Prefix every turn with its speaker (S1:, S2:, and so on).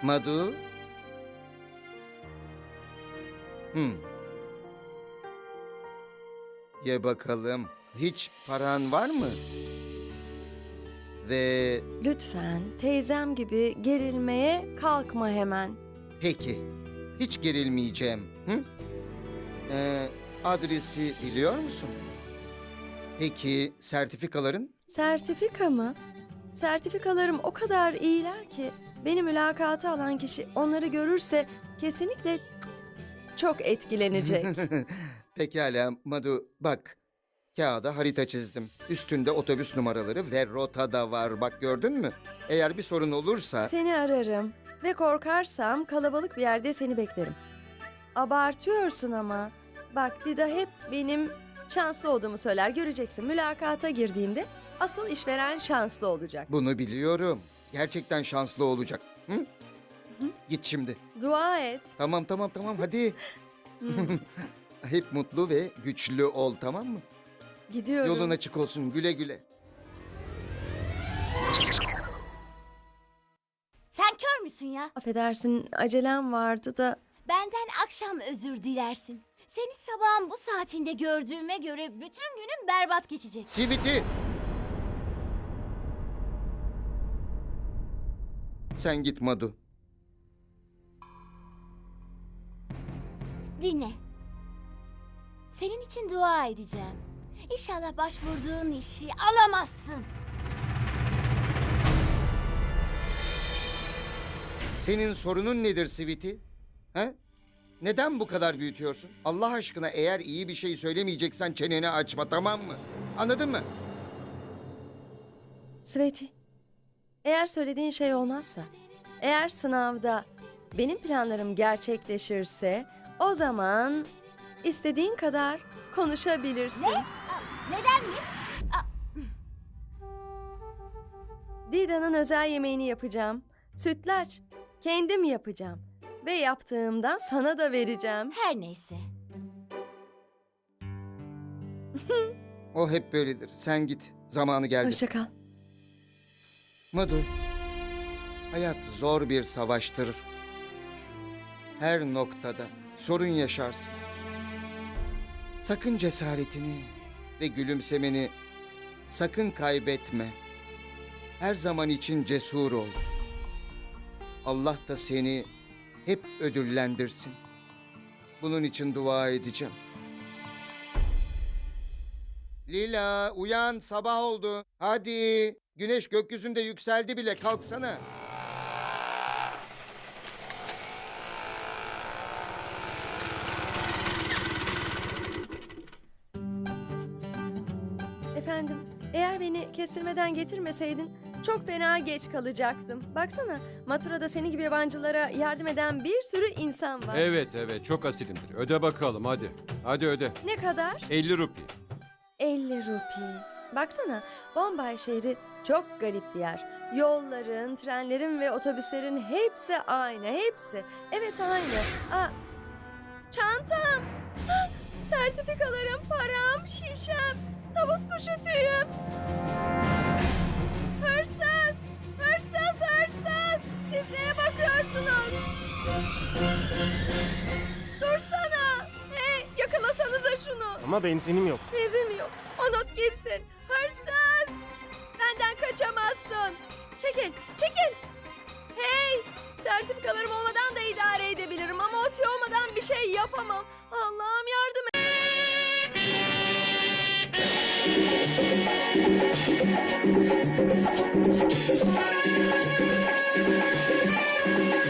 S1: Madu? Ye bakalım. Hiç paran var mı? Ve
S2: Lütfen teyzem gibi gerilmeye kalkma hemen.
S1: peki. Hiç gerilmeyeceğim. Hı? Adresi biliyor musun? Peki sertifikaların?
S2: Sertifika mı? Sertifikalarım o kadar iyiler ki beni mülakata alan kişi onları görürse kesinlikle çok etkilenecek.
S1: Pekala Madu, bak. Kağıda harita çizdim. Üstünde otobüs numaraları ve rota da var. Bak gördün mü? Eğer bir sorun olursa...
S2: Seni ararım ve korkarsam kalabalık bir yerde seni beklerim. Abartıyorsun ama. Bak Dida hep benim şanslı olduğumu söyler. Göreceksin, mülakata girdiğimde asıl işveren şanslı olacak.
S1: Bunu biliyorum. Gerçekten şanslı olacak. Hı?
S2: Hı?
S1: Git şimdi.
S2: Dua et.
S1: Tamam hadi. Hep mutlu ve güçlü ol, tamam mı?
S2: Gidiyorum.
S1: Yolun açık olsun, güle güle.
S3: Sen kör müsün ya?
S2: Affedersin, acelem vardı da.
S3: Benden akşam özür dilersin. Seni sabahın bu saatinde gördüğüme göre bütün günüm berbat geçecek.
S1: Siviti! Sen git Madu.
S3: Dinle. Senin için dua edeceğim. İnşallah başvurduğun işi alamazsın.
S1: Senin sorunun nedir Siviti? Ha? Neden bu kadar büyütüyorsun? Allah aşkına eğer iyi bir şey söylemeyeceksen çeneni açma, tamam mı? Anladın mı?
S2: Sveti, eğer söylediğin şey olmazsa, eğer sınavda benim planlarım gerçekleşirse, o zaman istediğin kadar konuşabilirsin.
S3: Nedenmiş?
S2: Dida'nın özel yemeğini yapacağım. Sütlaç. Kendim yapacağım. Ve yaptığımdan sana da vereceğim.
S3: Her neyse.
S1: O hep böyledir. Sen git. Zamanı geldi.
S2: Hoşça kal.
S1: Madu, hayat zor bir savaştır. Her noktada sorun yaşarsın. Sakın cesaretini ve gülümsemeni sakın kaybetme. Her zaman için cesur ol. Allah da seni hep ödüllendirsin. Bunun için dua edeceğim. Lila, uyan, sabah oldu. Hadi. Güneş gökyüzünde yükseldi bile. Kalksana.
S2: Efendim, eğer beni kestirmeden getirmeseydin çok fena geç kalacaktım. Baksana, Matura'da seni gibi yabancılara yardım eden bir sürü insan var.
S4: Evet çok asilimdir. Öde bakalım hadi. Hadi öde.
S2: Ne kadar?
S4: 50 rupi.
S2: 50 rupi. Baksana, Bombay şehri çok garip bir yer. Yolların, trenlerin ve otobüslerin hepsi aynı, hepsi. Evet aynı. Çantam, sertifikalarım, param, şişem, tavus kuşu tüyüm. Hırsız, hırsız, hırsız. Siz neye bakıyorsunuz? Dursana. Hey, yakalasanıza şunu.
S5: Ama benzinim yok.
S2: Bezim yok. O not gitsin. Hırsız! Benden kaçamazsın. Çekil, çekil. Hey! Sertifikalarım olmadan da idare edebilirim ama o tüy olmadan bir şey yapamam. Allah'ım yardım et.